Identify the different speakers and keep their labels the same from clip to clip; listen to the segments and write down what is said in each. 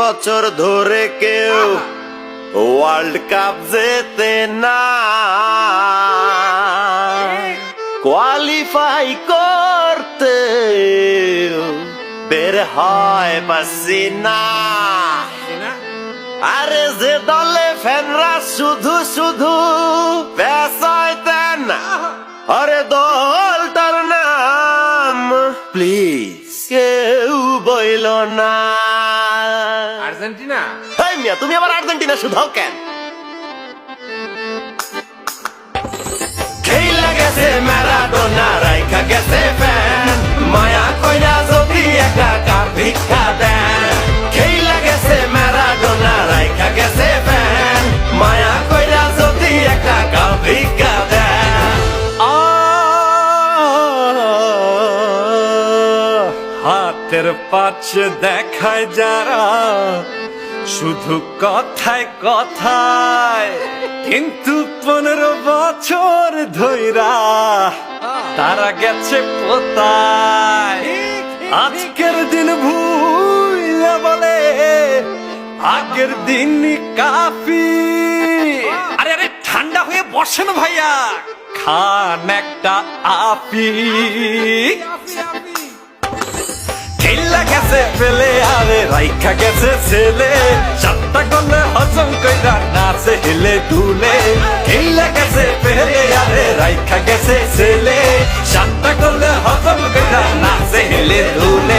Speaker 1: বছর ধরে কেউ ওয়ার্ল্ড কাপ জেতে না, কোয়ালিফাই করতে বের হয় পারছি না। আরে যে দলে ফ্যানরা শুধু শুধু বেসাইতেন, আরে দলটার নাম প্লিজ কেউ বইল না।
Speaker 2: আর্জেন্টিনা।
Speaker 1: হেই মিয়া, তুমি আবার আর্জেন্টিনা শুধাও কেন? খেইলা গেছে ম্যারাডোনা, রাইখা গেছে ফ্যান, মায়া কইরা যদি একা কাপ ভিক্ষা দেন। খেইলা গেছে ম্যারাডোনা, রাইখা গেছে ফ্যান, মায়া কইরা যদি একা কাপ ভিক্ষা দেন।
Speaker 3: হাতের পাশে দেখায় যারা শুধু কথায় কথায়, কিন্তু 15 বছর ধইরা তারা গেছে পোতায়। আজকের দিন ভুইলা বলে আগের দিন কাফি। আরে আরে ঠান্ডা হয়ে বসেন ভাইয়া, খান একটা আপি। খেলা গেছে ফেলে আরে রাইখা গেছে ছেলে, সাতটা করলে হজম কইরা নাচে হেলে দুলে। খেলা গেছে ফেলে আরে রাইখা গেছে ছেলে, সাতটা করলে হজম কইরা নাচে হেলে দুলে।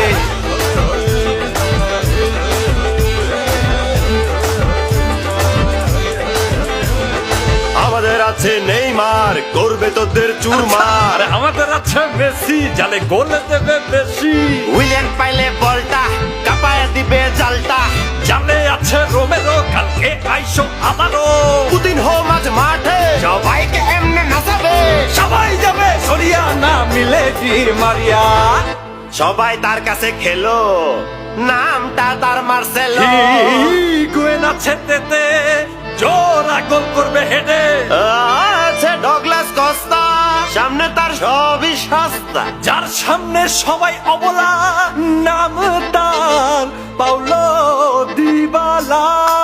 Speaker 1: আমাদের আছে নেইমার, করবে তোদের চুরমার।
Speaker 3: আমাদের আছে মেসি, জালে গোলে দেবে বেশি।
Speaker 1: উইলিয়ান পাইলে বলটা কাপায় দিবে জালটা।
Speaker 3: জালে আছে রোমেরো, কালকে আইসো আবারও।
Speaker 1: পুতিন হো মাঝ মাঠে, সবাইকে এমনে নাচাবে।
Speaker 3: সবাই যাবে সরিয়া না মিলে দি মারিয়া।
Speaker 1: সবাই তার কাছে খেলো, নামটা তার মার্সেলো।
Speaker 3: হিগুয়েন আছে তেতে, জোড়া গোল করবে হেডে।
Speaker 1: আছে ডগলাস কস্তা, সামনে তার সবই সস্তা।
Speaker 3: যার সামনে সবাই অবলা, নাম তার পাউলো দিবালা।